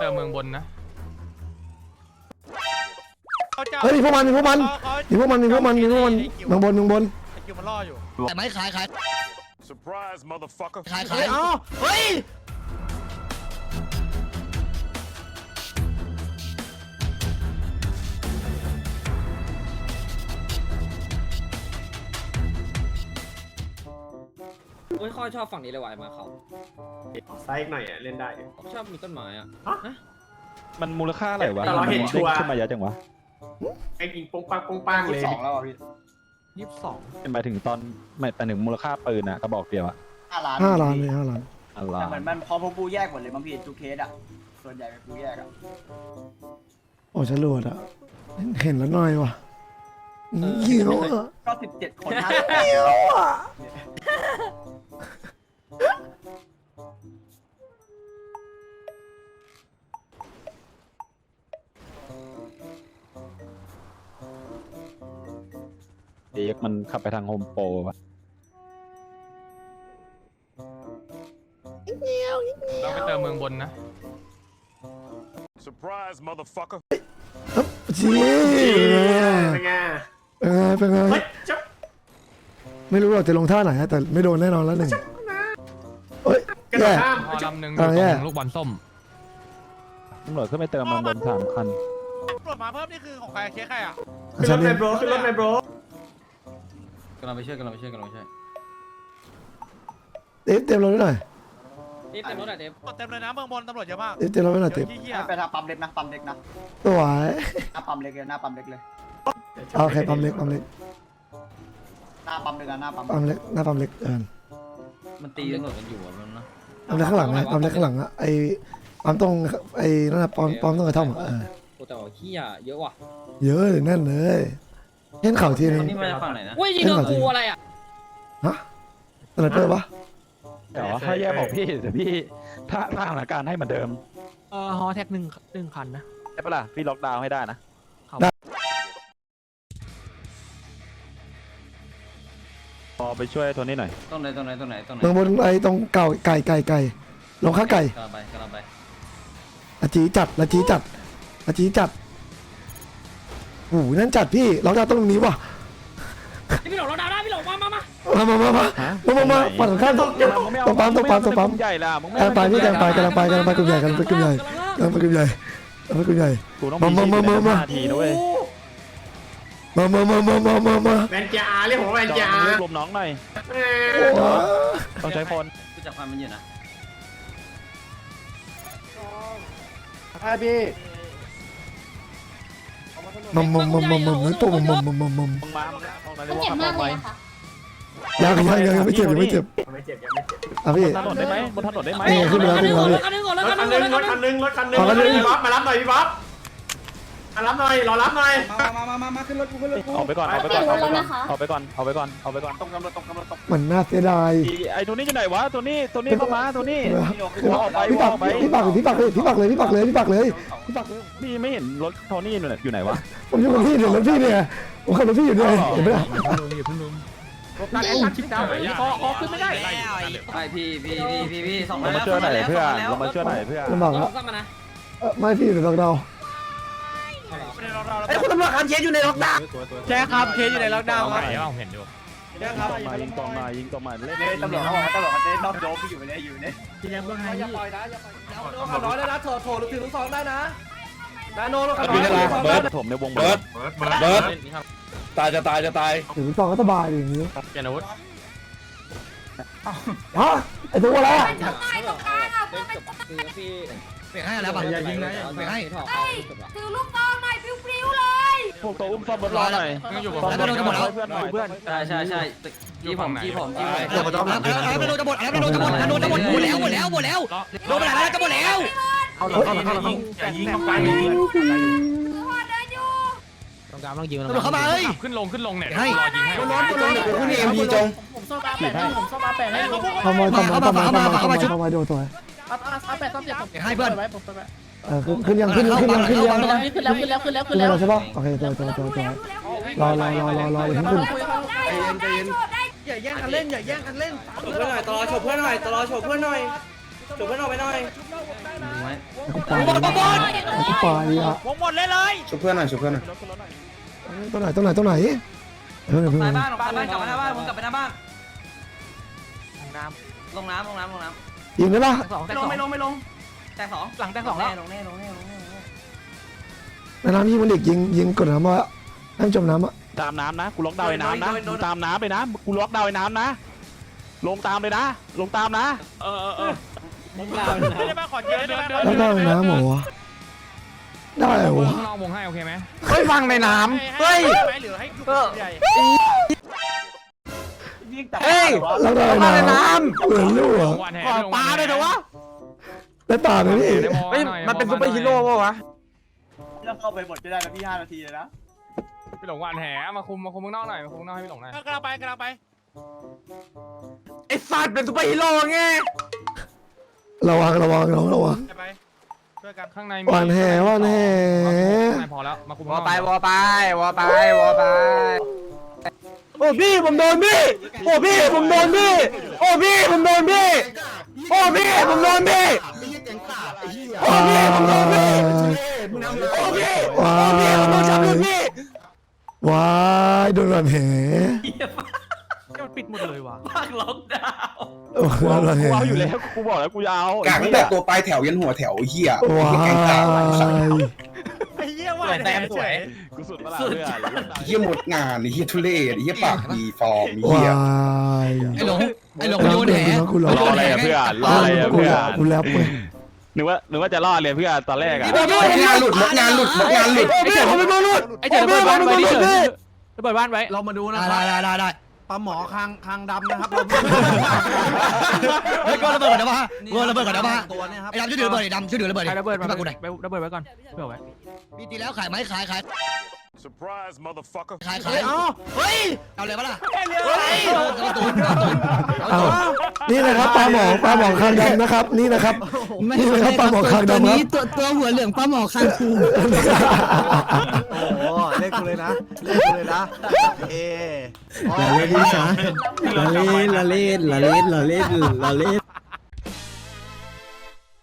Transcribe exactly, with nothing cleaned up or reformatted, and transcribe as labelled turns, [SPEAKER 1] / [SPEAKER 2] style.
[SPEAKER 1] เติมเมืองบนนะ
[SPEAKER 2] เฮ้ยมีพวกมันมีพวกมันมีพวกมันมีพวกมันมีพวกมันเมืองบนเมืองบน
[SPEAKER 3] คิวมันล่ออยู่
[SPEAKER 4] แต่ไม่ขายขาย
[SPEAKER 5] Surprise, motherfucker.
[SPEAKER 4] ขายขายอ๋อเฮ้ย
[SPEAKER 6] ไม่ค่อยชอบฝั่งนี้เลยว่ะมาเขา
[SPEAKER 7] ไซส์หน่อยอ่ะเล่นได้
[SPEAKER 6] ชอบมีต้นไม้อ่ะ
[SPEAKER 8] มันมูลค่าอะไรวะ
[SPEAKER 7] แต่เราเห็นชัวร์
[SPEAKER 8] ขึ้นมาเยอะจังวะ
[SPEAKER 7] ไอ้ยิงปงปังปงปังเลย
[SPEAKER 3] สองแล้วพี่ยี่สิบสอง
[SPEAKER 8] หมายถึงตอนหมายถึงมูลค่าปืนอะกระบอกเดียวอะ
[SPEAKER 4] ห้าล้าน
[SPEAKER 2] ห้าล้านเลยห้าล้าน
[SPEAKER 8] อะไร
[SPEAKER 3] แต่เหมือนมันพอพวกปูแยกหมดเลยมั้งพี่ทุกเคสอ่ะส่วนใหญ่เป็นปูแยกอ่ะ
[SPEAKER 2] โอ้ฉลวดอ่ะเห็นแล้วหน่อยว่ะเหี้ยวอ่ะ
[SPEAKER 3] ก็สิบเจ็ดคนห้า
[SPEAKER 2] เหี้ยวอ่ะ
[SPEAKER 8] เด็กมันขับไปทางโฮมโปรปะ
[SPEAKER 1] เราไปเติมเมืองบนนะ
[SPEAKER 5] Surprise, motherfucker.
[SPEAKER 2] จี
[SPEAKER 7] เป็นไง
[SPEAKER 2] เป็นไงเป็นไงไม่รู้เราจะลงท่าไหนแต่ไม่โดนแน่นอนแล้วหนึ่งเฮ้ยแย่
[SPEAKER 1] พอลำหนึ่งอยู่ตรงลูกบอลส้ม
[SPEAKER 8] ตำรวจขึ้นไปเติมมันบนสามคัน
[SPEAKER 3] ตำรวจมาเพิ่มนี่คือของใครเคสใครอ่ะ
[SPEAKER 7] ขึ้นรถในโบรขึ้นรถในโบร
[SPEAKER 6] กำลังไปช่วยกำลังไปช่วยกำลังไปช่วย
[SPEAKER 2] เต็มเต็มรถไว้หน่อย
[SPEAKER 6] เต็มเต็มรถอ่ะเต็ม
[SPEAKER 3] เต็มเลยนะเมืองบนตำรวจเยอะมาก
[SPEAKER 2] เต็มเต็มรถไว้หน่อยเต็ม
[SPEAKER 3] ไปทางปั๊มเล็กนะปั๊มเล็กนะ
[SPEAKER 2] ตัวไหว
[SPEAKER 3] หน้าปั๊มเล็กเลยหน้าปั๊มเล็กเลย
[SPEAKER 2] โอเคปั๊มเล็กปั๊มเล็ก
[SPEAKER 3] หน้าปั๊มเล็กนะหน้าปั๊ม
[SPEAKER 2] ปั๊มเล็กหน้าปั๊มเล็กเออ
[SPEAKER 6] มันตีตำรวจกันอยู่อ่ะมันนะ
[SPEAKER 2] ปั๊มเล็กข้างหลังนะปั๊มเล็กข้างหลังอ่ะไอ้ปั๊มตรงไอ้นั่นนะปั๊มปั๊มตรงกระท่อมเออ
[SPEAKER 6] โอ้แต่ว่าขี้อ่ะเยอะว่ะ
[SPEAKER 2] เยอะเลยแน่นเลยเห็นเข่าทีนึง
[SPEAKER 6] นี่มาจากฝั่งไหนนะเว้ยยิงโดนกูอะไรอ่ะ
[SPEAKER 2] ฮะสไนเปอร์ปะ
[SPEAKER 8] เดี๋ยวถ้าแย่บอกพี่เดี๋ยวพี่ถ้าสถานการณ์ให้เหมือนเดิม
[SPEAKER 9] เออฮอแท็กหนึ่งหนึ่งคันนะ
[SPEAKER 8] ใช่ปะล่ะพี่ล็อกดาวน์ให้ได้นะพอไปช่วยโทนี่หน่อย
[SPEAKER 6] ตรงไหนตรงไหนตรงไหนตรงไหน
[SPEAKER 2] เมืองบนไอ้ตรงเก่าไก่ไก่ไก่ลงข้าไก่
[SPEAKER 6] กำลังไปกำลังไป
[SPEAKER 2] อาจีจัดอาจีจัดอาจีจัดโอ้โหนั่นจัดพี่เราจะต้องตรงนี้ว่ะ
[SPEAKER 6] พี่หลงเราดาวได้พี่หลงมามามา
[SPEAKER 2] มามามามามามาฝั่งข้างตรงตรงปั๊มตรงปั๊มตรงปั๊ม
[SPEAKER 8] ใหญ่ละมึงไม่
[SPEAKER 2] ไปพี่กำลังไปกำลังไปกำลังไปกลุ่มใหญ่กำลังไปกลุ่มใหญ่กำลังไปกลุ่มใหญ่กำลังไปกลุ่มใหญ่มามามามามา
[SPEAKER 8] ทีนะเว้ย
[SPEAKER 2] มามามามามามามา
[SPEAKER 7] แวนจาเรียกผมแวนจา
[SPEAKER 8] เรียกลมน้องหน่อยต้องใช้คน
[SPEAKER 6] กูจับความมันอยู่นะ
[SPEAKER 3] ใช่พี่
[SPEAKER 2] มัมมัมมัมมัมมัมตัวมัมมัมมัมมัมมัม
[SPEAKER 8] เจ็บมากเลยค่ะ
[SPEAKER 2] ยังยังยังยังไม่เจ็บยังไม่เจ็บ
[SPEAKER 7] ไม่เจ็บยังไม่เจ็บ
[SPEAKER 2] อ่ะพี่
[SPEAKER 8] บนถนนได้ไหมบนถนนได้ไหม
[SPEAKER 2] ขึ้นมาแล้วขึ้นมาแล้ว
[SPEAKER 6] รถคันนึงรถคันนึง
[SPEAKER 7] รถคันนึงรถคันนึงรถคันนึงพี่บ๊อบมารับหน่อยพี่บ๊อบมารับหน่อยรอรับหน่อย
[SPEAKER 3] มามามามาขึ้นรถกูขึ้นรถกู
[SPEAKER 8] ออกไปก่อนออกไปก่อนออกไปก่อนออกไปก่อนออกไปก่อน
[SPEAKER 3] ตรงกำลังตรงกำลังตรง
[SPEAKER 2] เหมือนน่าเสียดาย
[SPEAKER 8] ไอ้ตัวนี้จะไหนวะตัวนี้ตัวนี้เข้ามาตัวนี้
[SPEAKER 2] พี่ปักพี่ปักพี่ปักเลยพี่ปักเลยพี่ปักเลยพี่ปักเลยพี่ปักเลย
[SPEAKER 8] พี่ไม่เห็นรถโทนี่อยู่ไหนวะ
[SPEAKER 2] ผมอยู่กับพี่เนี่ยรถพี่เนี่ยผมขับรถพี่อยู่เนี่ยเห็นไหมล่ะ
[SPEAKER 9] นั่นไอ้ชิดดาวคอคอขึ้นไม่ได้
[SPEAKER 6] ไปพี่พี่พี่พี่พี่สอง
[SPEAKER 8] เรามาช่วยหน่อยเพื่อนเรามาช่วยหน่อยเพื่อน
[SPEAKER 2] ลำบากแล้วไม่พี่อยู่ในล็อกดาวน์
[SPEAKER 4] ไอ้คุณตำรวจครับเคสอยู่ในล็อกดาวน์
[SPEAKER 3] ใช่ครับเคสอยู่ในล็อกดาวน์ครับ
[SPEAKER 1] เห็นอยู่
[SPEAKER 8] ยิงต่อมายิงต่อมายิงต่อมาเล่นเล่น
[SPEAKER 3] ตำรวจเขาบอกว่าตำรวจเขาเล่นนอกโดมที่อยู่ในอยู่เนี่ย
[SPEAKER 9] ทีแรกเบื้องไง
[SPEAKER 3] อย่าปล่อยนะอย่าปล่อยนะน้อยได้นะโถโถลูกถือลูกซองได้นะนาโนลูก
[SPEAKER 8] น้อยเบิร์ดถมในวงเบิร์ด
[SPEAKER 5] เบิร์ดเบิร์ดตายจะตายจะตาย
[SPEAKER 2] ถือซองก็สบายอย่างนี้
[SPEAKER 1] เจนอาวุธ
[SPEAKER 2] ฮะไอ้ตัวอะไรอ่ะ
[SPEAKER 4] เปลี่ยนให้แล้วป่ะอย่ายิงนะเปลี่ยนให้
[SPEAKER 10] ถือลูกซองหน่อยปลิวๆเลย
[SPEAKER 8] พวกตัวอุ้มซ่อมบนรถหน่อย
[SPEAKER 4] แล้วโดนกระบอก
[SPEAKER 8] เพื่อนหน่อยเพื่อน
[SPEAKER 6] ใช่ใช่ใช่จี้ผมจี้ผมจี้ผม
[SPEAKER 4] แล้วโดนกระบอกแล้วโดนกระบอกแล้วโดนกระบอกหมดแล้วหมดแล้วหมดแล้วโดนไปไหนแล้วกระบอกแล้ว
[SPEAKER 7] เข้าหลังเข้าหลังเข้าหลังอย่ายิงเข้าไป
[SPEAKER 9] ต้องการต้องยิง
[SPEAKER 4] ตำรวจเข้ามาเฮ้ย
[SPEAKER 1] ขึ้นลงขึ้นลงเนี่ย
[SPEAKER 4] ให้
[SPEAKER 1] รอยิงให้
[SPEAKER 4] ร้อนร้อนคุณเอ็มพีจง
[SPEAKER 3] ผมซ่อมมาแปะให้ผมซ่อมมาแปะให้
[SPEAKER 2] ทำไมทำไมทำไมทำไมทำไมทำไมโดนตัว
[SPEAKER 3] เอาเอาแปะซ่อมเจ็บผม
[SPEAKER 4] ให้เพื่อน
[SPEAKER 2] เออขึ้นยังขึ้นขึ้นยังขึ้นยัง
[SPEAKER 3] ขึ้นแล้วขึ้นแล้วขึ้นแล้วขึ้นแล้ว
[SPEAKER 2] ขึ้นแล้วใช่ปะโอเคตัวตัวตัวตัวรอรอรอรอรอเลยขึ้น
[SPEAKER 3] อย่าแย่งกันเล่นอย่าแย่งกันเล่น
[SPEAKER 7] ฉบเพื่อนหน่อยตลอดฉบเพื่อนหน่อยตลอดฉบเพื่อนหน่อยฉบเพื่อนออกไปหน่อย
[SPEAKER 2] กูไปกูไปอ่ะ
[SPEAKER 4] วงหมดเลยเลย
[SPEAKER 7] ช่วยเพื่อนหน่อยช่วยเพื่อนหน่อย
[SPEAKER 2] ตรงไหนตรงไหนตรงไหนเออเพื่อ
[SPEAKER 6] สาย
[SPEAKER 2] น
[SPEAKER 6] บ้านสายบ้านกลับมาหน้าบ้านมึงกลับไปหน้าบ้าน
[SPEAKER 4] น้
[SPEAKER 6] ลงน้ำลงน้ำลงน้
[SPEAKER 2] ยิงได้ปะ
[SPEAKER 4] ำสอง
[SPEAKER 6] ำ
[SPEAKER 4] แต่
[SPEAKER 6] ไม่ล
[SPEAKER 4] สอง ง
[SPEAKER 6] ไม่ลงไม่ลงแตกสอง
[SPEAKER 4] หลังแต่สองแล้ว
[SPEAKER 6] ลงแน่ลงแน่ลงแน่ลงแน่
[SPEAKER 2] ในน้ำยิงมันเด็กยิงยิงกดน้ำว่าให้มันจมน้ำอ่ะ
[SPEAKER 8] ตามน้ำนะกูล็อกดาวน์ไอ้น้ำนะมึงตามน้ำไปนะกูล็อกดาวน์ไอ้น้ำนะ ลงตามเลยนะ ลงตามนะ
[SPEAKER 1] เออเออเออ
[SPEAKER 4] ไม่ได้มาขอเยอะได้ไหม
[SPEAKER 2] แล้วได้น้ำเหรอวะได้เหรอวะ
[SPEAKER 1] ข้างนอกวงให้โอเคไหม
[SPEAKER 9] เฮ้ยฟังในน้ำเฮ้ย
[SPEAKER 4] หรือให้ใหญ่
[SPEAKER 9] เฮ้ย
[SPEAKER 2] แล้วได้
[SPEAKER 9] มาใน
[SPEAKER 2] น้
[SPEAKER 9] น้
[SPEAKER 2] ำเหมือนลูกเหรอ
[SPEAKER 1] วานแห
[SPEAKER 4] ขอปลาเลยเถอะวะ
[SPEAKER 2] ได้ปลาไหมพี่
[SPEAKER 9] ำเฮ้ยมันเป็นซุปเปอร์ฮีโร่ป่ะวะ
[SPEAKER 3] เราเข้าไปหมดก็ได้นะพี่ห้านาทีเลยนะ
[SPEAKER 1] พี่หลงวานแหมาคุมมาคุมข้างนอกหน่อยมาคุมข้างนอกให้พี่หลงหน่อย
[SPEAKER 4] กำลังไปกำลังไป
[SPEAKER 9] ไอ้สัตว์เป็นซุปเปอร์ฮีโร่ไง
[SPEAKER 2] ระวังระวังระวังระวัง
[SPEAKER 4] ไปช่วยกัน
[SPEAKER 1] ข้างใน
[SPEAKER 2] วานแหวานแห
[SPEAKER 1] ข้างในพอแล้วมาคุม
[SPEAKER 9] ว
[SPEAKER 1] ข้า
[SPEAKER 9] อง
[SPEAKER 1] นอก
[SPEAKER 9] ไปวอไปวอไปวอไปโอ้พี่ผมโดนพี่โอ้พี่ผมโดนพี่โอ้พี่ผมโดนพี่โอ้พี่ผมโดนพี่โอ้พี่ผมโดนพี่โอ้พี่โอ้พี่ผมโดนจับเลยพี่
[SPEAKER 2] วายโดนวานแห
[SPEAKER 4] มันปิดหมดเลยว่ะ
[SPEAKER 6] ภาคล็อกดาวน์
[SPEAKER 2] โอ้โห
[SPEAKER 8] กู
[SPEAKER 2] วานแห
[SPEAKER 8] เอาอยู่แล้วกูบอกแล้วกูจะเอา
[SPEAKER 7] กากตั้งแต่ตัวปลายแถวยันหัวแถวเหี้ยว
[SPEAKER 2] าย
[SPEAKER 4] ไอ้เหี้ยว่าแซมสวย
[SPEAKER 8] กูสุดเวลาเพื่อน
[SPEAKER 7] เหี้ยหมดงานเหี้ยทุเรศเหี้ยปากดีฟอร์ม
[SPEAKER 2] วา
[SPEAKER 7] เหี้ย
[SPEAKER 2] ย
[SPEAKER 4] ไอ้หลงไอ้หลง
[SPEAKER 2] กู
[SPEAKER 4] โยนแห
[SPEAKER 2] กูรอ
[SPEAKER 8] รออะไรอะเพื่อนรออะไรอะ
[SPEAKER 2] กู
[SPEAKER 8] เพื่อ
[SPEAKER 2] รอน กูแลบเว้ย
[SPEAKER 8] นึกว่านึกว่าจะรอดเลยเพื่อนตอนแรกอะ
[SPEAKER 7] มดงานหลุดมดงานหลุดมดงานหลุด
[SPEAKER 9] โอ้พี่ผมเป็นมนุษย์
[SPEAKER 4] ไอ้เจ๋อระเบิดบ้านไว้ดิเจ๋อระเบิดบ้านไว้
[SPEAKER 3] เรามาดูนะ
[SPEAKER 4] ได้ได้ได้ได้
[SPEAKER 3] ปลาหมอคางคางดำนะครับ
[SPEAKER 4] เฮ้ยก็ระเบิดก่อนนะวะก็ระเบิดก่อนนะวะ
[SPEAKER 3] ตัวเนี่ยครับ
[SPEAKER 4] ไอ้ดำช่วยถือระเบิดไอ้ดำช่วยถือระเบิด
[SPEAKER 1] ใครระเบิดมา
[SPEAKER 4] มากูหน่อย
[SPEAKER 1] ไประเบิดไว้ก่อนเผื่อไว้
[SPEAKER 4] มีตีแล้วขายไหมขายขาย
[SPEAKER 5] Surprise, motherfucker.
[SPEAKER 4] ขายขาย
[SPEAKER 3] เอ้าเฮ้ย
[SPEAKER 4] เอาเลยปะล่ะ
[SPEAKER 3] เฮ้ย
[SPEAKER 4] เอาตูนเอาตูน
[SPEAKER 2] เอานี่นะครับปลาหมอปลาหมอคางดำนะครับ นี่นะครับนี่นะครับปลาหมอคางดำครับ
[SPEAKER 4] ตัวตัวหัวเหลืองปลาหมอคางคู
[SPEAKER 3] โอ้เลขกูเลยนะเลขกูเลยนะเอ
[SPEAKER 2] อย่าเล่นดิฉัน
[SPEAKER 3] ละเล่นละเล่นละเล่นละเล่นละเล่น